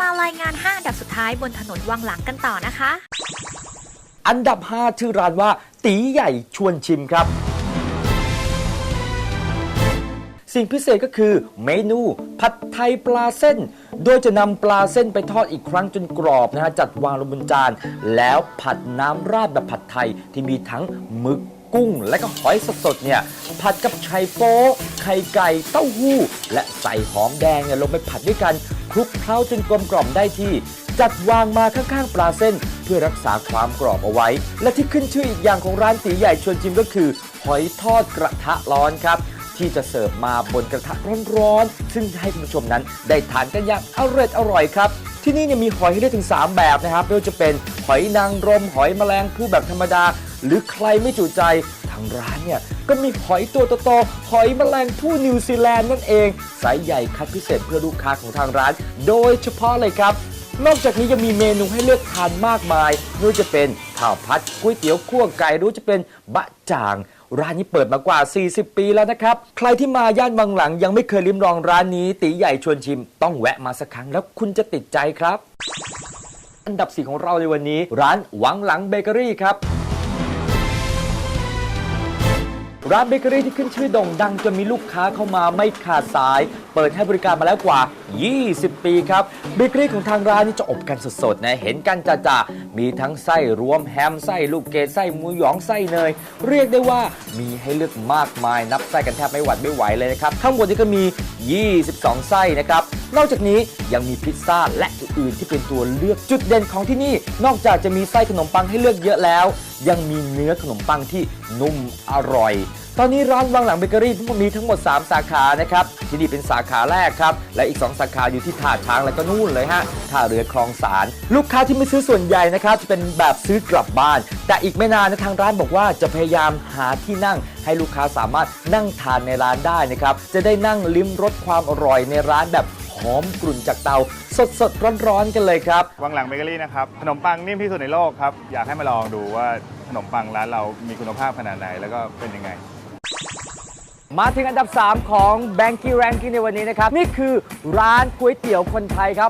ารายงาน5อันดับสุดท้ายบนถนนวังหลังกันต่อนะคะอันดับ 5 ชื่อร้านว่าตีใหญ่ชวนชิมครับ สิ่งพิเศษก็คือเมนูผัดไทยปลาเส้น โดยจะนำปลาเส้นไปทอดอีกครั้งจนกรอบนะฮะจัดวางลงบนจานแล้วผัดน้ำราดแบบผัดไทยที่มีทั้งหมึกกุ้งและก็หอยสดๆเนี่ยผัดกับไข่โป๊ไข่ไก่เต้าหู้และใส่หอมแดงเนี่ยลงไปผัดด้วยกันคลุกเคล้าจนกลมกล่อมได้ที่จัดวางมาข้างๆปลาเส้นเพื่อรักษาความกรอบเอาไว้และที่ขึ้นชื่ออีกอย่างของร้านตีใหญ่ชวนชิมก็คือหอยทอดกระทะร้อนครับที่จะเสิร์ฟมาบนกระทะร้อนๆซึ่งให้คุณผู้ชมนั้นได้ทานกันอย่างอร่อยครับที่นี่เนี่ยมีหอยให้เลือกถึง3แบบนะครับไม่ว่าจะเป็นหอยนางรมหอยแมลงภู่แบบธรรมดาหรือใครไม่จุใจทางร้านเนี่ยก็มีหอยตัวโตๆหอยแมลงภู่นิวซีแลนด์นั่นเองไซส์ใหญ่คัดพิเศษเพื่อลูกค้าของทางร้านโดยเฉพาะเลยครับนอกจากนี้ยังมีเมนูให้เลือกทานมากมายไม่ว่าจะเป็นข้าวผัดก๋วยเตี๋ยวคั่วไก่หรือจะเป็นบะจ่างร้านนี้เปิดมากว่า40 ปีแล้วนะครับใครที่มาย่านบางหลังยังไม่เคยลิ้มลองร้านนี้ตีใหญ่ชวนชิมต้องแวะมาสักครั้งแล้วคุณจะติดใจครับอันดับ 4 ของเราในวันนี้ร้านหวังหลังเบเกอรี่ครับร้านเบเกอรี่ที่ขึ้นชื่อโด่งดังจนมีลูกค้าเข้ามาไม่ขาดสายเปิดให้บริการมาแล้วกว่า20 ปีครับเบเกอรี่ของทางร้านนี่จะอบกันสดๆนะเห็นกันจ่าๆมีทั้งไส้รวมแฮมไส้ลูกเกดไส้หมูหยองไส้เนยเรียกได้ว่ามีให้เลือกมากมายนับไส้กันแทบไม่หวัดไม่ไหวเลยนะครับข้างบนนี้ก็มี22ไส้นะครับนอกจากนี้ยังมีพิซซ่าและอื่นๆที่เป็นตัวเลือกจุดเด่นของที่นี่นอกจากจะมีไส้ขนมปังให้เลือกเยอะแล้วยังมีเนื้อขนมปังที่นุ่มอร่อยตอนนี้ร้านวังหลังเบเกอรี่มีทั้งหมด3สาขานะครับที่นี่เป็นสาขาแรกครับและอีก2สาขาอยู่ที่ท่าช้างแล้วก็นู่นเลยฮะท่าเรือคลองสารลูกค้าที่ไม่ซื้อส่วนใหญ่นะครับจะเป็นแบบซื้อกลับบ้านแต่อีกไม่นานนะทางร้านบอกว่าจะพยายามหาที่นั่งให้ลูกค้าสามารถนั่งทานในร้านได้นะครับจะได้นั่งลิ้มรสความอร่อยในร้านแบบหอมกลุ่นจากเตาสดๆร้อนๆกันเลยครับวังหลังเบเกอรี่นะครับขนมปังนิ่มที่สุดในโลกครับอยากให้มาลองดูว่าขนมปังร้านเรามีคุณภาพขนาดไหนแล้วก็เป็นยังไงมาถึงอันดับ 3 ของ Banky Ranking ในวันนี้นะครับนี่คือร้านก๋วยเตี๋ยวคนไทยครับ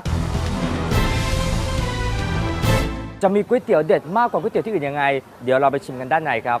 จะมีก๋วยเตี๋ยวเด็ดมากกว่าก๋วยเตี๋ยวที่อื่นยังไงเดี๋ยวเราไปชิมกันด้านในครับ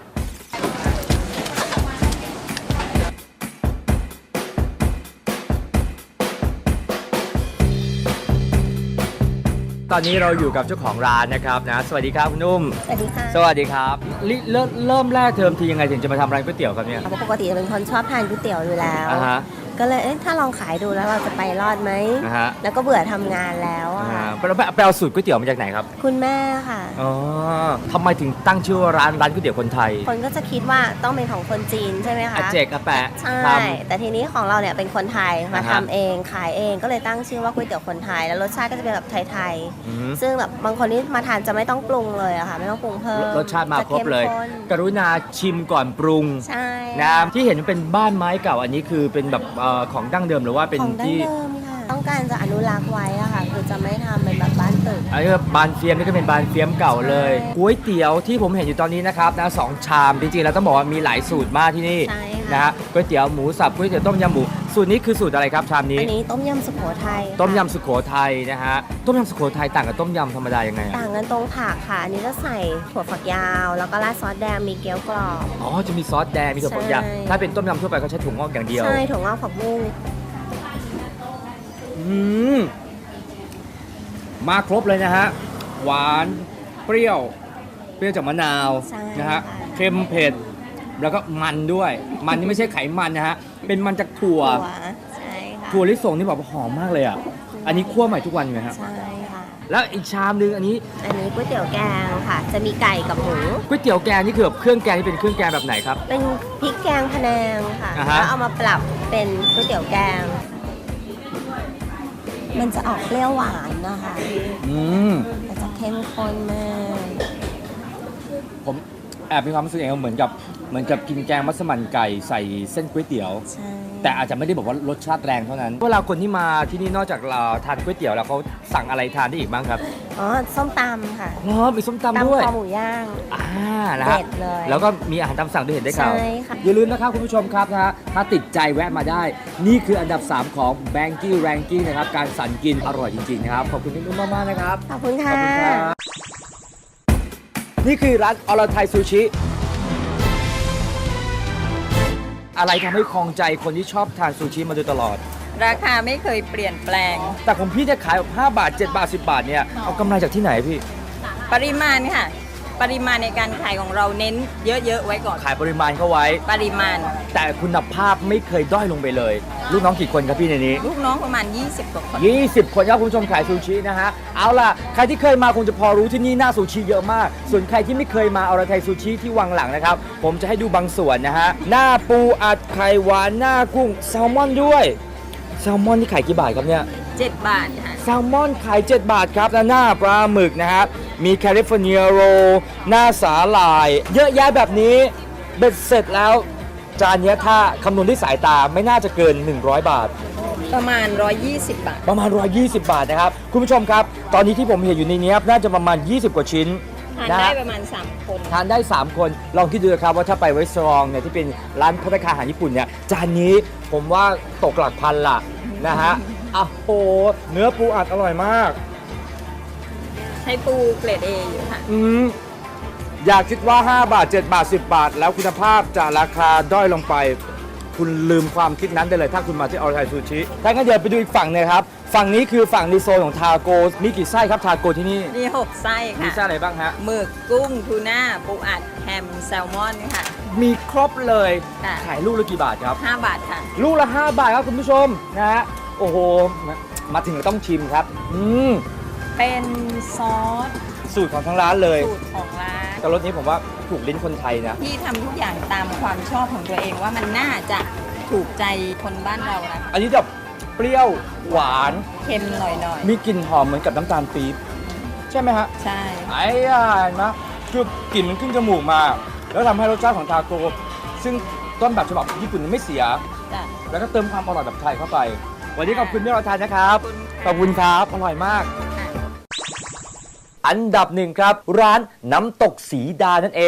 ตอนนี้เราอยู่กับเจ้าของร้านนะครับนะสวัสดีครับคุณนุ่มสวัสดีค่ะสวัสดีครับเริ่มแรกเทอมทียังไงถึงจะมาทำร้านก๋วยเตี๋ยวครับเนี่ยปกติเป็นคนชอบทานก๋วยเตี๋ยวอยู่แล้วก็เลยถ้าลองขายดูแล้วเราจะไปรอดไหมแล้วก็เบื่อทำงานแล้วไปเอาสูตรก๋วยเตี๋ยวมาจากไหนครับคุณแม่ค่ะอ๋อทำไมถึงตั้งชื่อว่าร้านก๋วยเตี๋ยวคนไทยคนก็จะคิดว่าต้องเป็นของคนจีนใช่ไหมคะอาเจกอาแปะใช่แต่ทีนี้ของเราเนี่ยเป็นคนไทยมาทำเองขายเองก็เลยตั้งชื่อว่าก๋วยเตี๋ยวคนไทยแล้วรสชาติก็จะเป็นแบบไทยๆซึ่งแบบบางคนที่มาทานจะไม่ต้องปรุงเลยอะค่ะไม่ต้องปรุงเพิ่มรสชาติมาครบเลยกรุณาชิมก่อนปรุงใช่นะที่เห็นเป็นบ้านไม้เก่าอันนี้คือเป็นแบบของดั้งเดิมหรือว่าเป็นที่ต้องการจะอนุรักษ์ไว้อะค่ะคือจะไม่ทำเป็นแบบบ้านตึกบานเฟียมนี่ก็เป็นบานเฟียมเก่าเลยก๋วยเตี๋ยวที่ผมเห็นอยู่ตอนนี้นะครับนะ2 ชามจริงๆเราต้องบอกว่ามีหลายสูตรมากที่นี่นะฮะก๋วยเตี๋ยวหมูสับก๋วยเตี๋ยวต้มยำหมูสูตรนี้คือสูตรอะไรครับชามนี้อันนี้ต้มยำสุโขทัยต้มยำสุโขทัยนะฮะต้มยำสุโขทัยต่างกับต้มยำธรรมดายังไงต่างกันตรงผักค่ะอันนี้จะใส่ถั่วฝักยาวแล้วก็ราดซอสแดงมีเกี๊ยวกรอบอ๋อจะมีซอสแดงมีถั่วฝักยาวถ้าเป็นต้มยำทั่วไปเขาใช้ถั่วงอกอย่างเดียวใช่ถั่วงอกผักบุ้งมาครบเลยนะฮะหวานเปรี้ยวจากมะนาวนะฮะเค็มเผ็ดแล้วก็มันด้วยมันนี่ไม่ใช่ไขมันนะฮะเป็นมันจากถั่วถั่วลิสงนี่แบบหอมมากเลยอ่ะอันนี้คั่วใหม่ทุกวันไหมครับใช่ค่ะแล้วอีกชามนึงอันนี้ก๋วยเตี๋ยวแกงค่ะจะมีไก่กับหมูก๋วยเตี๋ยวแกงนี่คือแบบเครื่องแกงนี่เป็นเครื่องแกงแบบไหนครับเป็นพริกแกงพะแนงค่ะแล้วเอามาปรับเป็นก๋วยเตี๋ยวแกงมันจะออกเปรี้ยวหวานนะคะมันจะเข้มข้นมากผมแอบมีความรู้สึกเองเหมือนกับกินแกงมัสมั่นไก่ใส่เส้นก๋วยเตี๋ยวแต่อาจจะไม่ได้บอกว่ารสชาติแรงเท่านั้นเวลาคนที่มาที่นี่นอกจากทานก๋วยเตี๋ยวแล้วเขาสั่งอะไรทานได้อีกบ้างครับส้มตำค่ะมีส้มตำด้วยตำคอหมูย่างนะฮะเด็ดเลยแล้วก็มีอาหารตามสั่งด้วยเห็นได้ข่าวใช่ค่ะอย่าลืมนะครับคุณผู้ชมครับนะฮะถ้าติดใจแวะมาได้ นี่คืออันดับ 3 ของ Banky Ranking นะครับการสั่นกินอร่อยจริงๆนะครับขอบคุณพี่นุ่มมากๆนะครับขอบคุณค่ะนี่คือร้านอรไทยซูชิ อะไรทำให้คลองใจคนที่ชอบทานซูชิมาโดยตลอดราคาไม่เคยเปลี่ยนแปลงแต่ของพี่เนี่ยขายแบบ5 บาท 7 บาท 10 บาทเนี่ยเอากำไรจากที่ไหนพี่ปริมาณค่ะ ปริมาณในการขายของเราเน้นเยอะๆไว้ก่อนขายปริมาณเข้าไว้ปริมาณแต่คุณภาพไม่เคยด้อยลงไปเลย ลูกน้องกี่คนครับพี่ในนี้ลูกน้องประมาณ 20 กว่าคน 20 คนครับคุณผู้ชมขายซูชินะฮะ เอาล่ะ ใครที่เคยมาคงจะพอรู้ที่นี่หน้าซูชิเยอะมาก ส่วนใครที่ไม่เคยมาอรไทยซูชิที่วังหลังนะครับ ผมจะให้ดูบางส่วนนะฮะ หน้าปูอัดไข่หวานหน้ากุ้งแซลมอนด้วย แซลมอนที่ขายกี่บาทครับเนี่ย 7 บาทค่ะแซลมอนขาย 7 บาทครับและหน้าปลาหมึกนะครับ มีแคลิฟอร์เนียโรลหน้าสาหร่าย เยอะแยะแบบนี้ เบ็ดเสร็จแล้ว จานเนี้ยถ้าคำนวณด้วยสายตาไม่น่าจะเกิน 100 บาทประมาณ 120 บาทประมาณ 120 บาทนะครับ คุณผู้ชมครับ ตอนนี้ที่ผมเห็นอยู่ในนี้ครับน่าจะประมาณ 20 กว่าชิ้นทานนะได้ฮะประมาณ 3 คนทานได้ 3 คน ลองคิดดูนะครับว่าถ้าไปไวสตรองเนี่ยที่เป็นร้านภัตตาคารอาหารญี่ปุ่นเนี่ยจานนี้ผมว่าตกหลักพันละนะฮะอ้าวโหเนื้อปูอัดอร่อยมากใช้ปูเกรด A อยู่ค่ะอยากคิดว่า 5 บาท 7 บาท 10 บาท แล้วคุณภาพจะราคาด้อยลงไป คุณลืมความคิดนั้นได้เลยถ้าคุณมาที่ออร์ไทยซูชิถ้างั้นเดี๋ยวไปดูอีกฝั่งหนึงครับ ฝั่งนี้คือฝั่งในโซนของทาโกมีกี่ไส้ครับทาโกที่นี่มี 6 ไส้มีค่ะไส้อะไรบ้างฮะหมึกกุ้งทูน่าปูอัดแฮมแซลมอนค่ะมีครบเลยค่ะขายลูกละกี่บาทครับ 5 บาทค่ะลูกละ 5 บาทครับคุณผู้ชมนะฮะ โอ้โห มาถึงต้องชิมครับเป็นซอสสูตรของทางร้านเลยสูตรของร้านแต่รสนี้ผมว่าถูกลิ้นคนไทยนะที่ทำทุกอย่างตามความชอบของตัวเองว่ามันน่าจะถูกใจคนบ้านเรานะคะอันนี้แบบเปรี้ยวหวานเค็มหน่อยมีกลิ่นหอมเหมือนกับน้ำตาลปี๊บใช่ไหมฮะๆ ใช่ไอ้ย่าเห็นไหมคือกลิ่นมันขึ้นจมูกมา แล้วทำให้รสชาติของทาโกซึ่งต้นแบบฉบับญี่ปุ่นไม่เสียจ้ะแล้วก็เติมความอร่อยแบบไทยเข้าไป วันนี้ขอบคุณที่เราทานนะครับ ขอบคุณครับ อร่อยมาก อันดับ 1 ครับ ร้านน้ำตกสีดานั่นเอง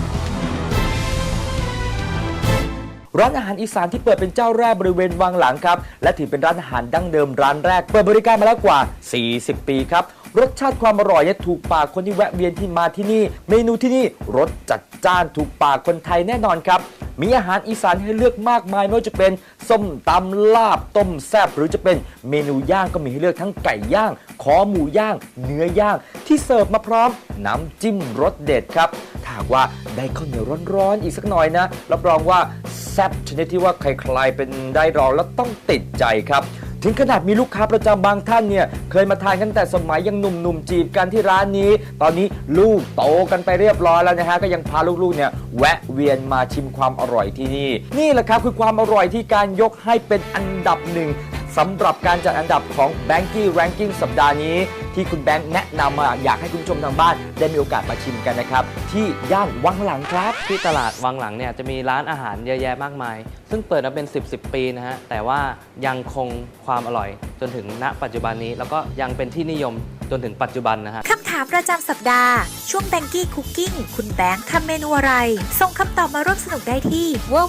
ร้านอาหารอีสานที่เปิดเป็นเจ้าแรกบริเวณวังหลังครับ และถือเป็นร้านอาหารดั้งเดิมร้านแรก เปิดบริการมาแล้วกว่า 40 ปีครับ รสชาติความอร่อยเนี่ยถูกปากคนที่แวะเวียนที่มาที่นี่ เมนูที่นี่รสจัดจ้านถูกปากคนไทยแน่นอนครับ มีอาหารอีสานให้เลือกมากมายไม่ว่าจะเป็นส้มตำลาบต้มแซ่บหรือจะเป็นเมนูย่างก็มีให้เลือกทั้งไก่ย่างคอหมูย่าง เนื้อย่างที่เสิร์ฟมาพร้อมน้ำจิ้มรสเด็ดครับถ้าหากว่าได้ข้าวเหนียวร้อนๆอีกสักหน่อยนะรับรองว่าแซ่บชนิดที่ว่าใครๆเป็นได้รองแล้วต้องติดใจครับ ถึงขนาดมีลูกค้าประจำบางท่านเนี่ยเคยมาทานกันแต่สมัยยังหนุ่มๆจีบกันที่ร้านนี้ ตอนนี้ลูกโตกันไปเรียบร้อยแล้วนะฮะก็ยังพาลูกๆเนี่ยแวะเวียนมาชิมความอร่อยที่นี่นี่แหละครับคือความอร่อยที่การยกให้เป็นอันดับ 1สำหรับการจัดอันดับของ Banky Ranking สัปดาห์นี้ที่คุณแบงค์แนะนำมาอยากให้คุณผู้ชมทางบ้านได้มีโอกาสมาชิมกันนะครับที่ย่านวังหลังครับที่ตลาดวังหลังเนี่ยจะมีร้านอาหารเยอะแยะมากมาย ซึ่งเปิดมาเป็น 10 ปีนะฮะ แต่ว่ายังคงความอร่อยจนถึงณปัจจุบันนี้ แล้วก็ยังเป็นที่นิยมจนถึงปัจจุบันนะฮะคำถามประจำสัปดาห์ ช่วง Banky Cooking คุณแบงค์ทำเมนูอะไร ส่งคำตอบมาร่วมสนุกได้ที่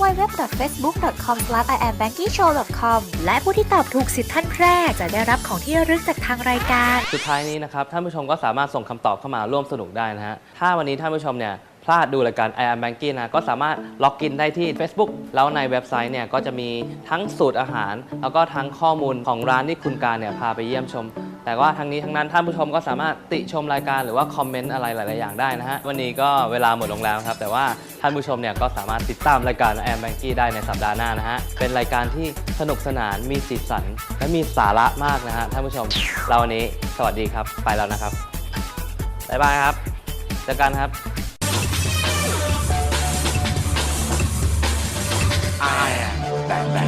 www.facebook.com/iambankyshow.com และผู้ที่ตอบถูก10 ท่านแรกจะได้รับของที่ระลึกจากทางรายการสุดท้ายนี้นะครับท่านผู้ชมก็สามารถส่งคำตอบเข้ามาร่วมสนุกได้นะฮะ ถ้าวันนี้ท่านผู้ชมเนี่ยพลาดดูรายการ I am Banky นะก็สามารถล็อกอินได้ที่ Facebook แล้วในเว็บไซต์เนี่ยก็จะมีทั้งสูตรอาหาร แล้วก็ทั้งข้อมูลของร้านที่คุณการเนี่ยพาไปเยี่ยมชม แต่ว่าทั้งนี้ทั้งนั้นท่านผู้ชมก็สามารถติชมรายการหรือว่าคอมเมนต์อะไรหลายๆอย่างได้นะฮะวันนี้ก็เวลาหมดลงแล้วครับแต่ว่าท่านผู้ชมเนี่ยก็สามารถติดตามรายการ I am Banky ได้ในสัปดาห์หน้านะฮะเป็นรายการที่สนุกสนานมีสีสันและมีสาระมากนะฮะท่านผู้ชมเราวันนี้สวัสดีครับไปแล้วนะครับบ๊ายบายครับเจอกันครับ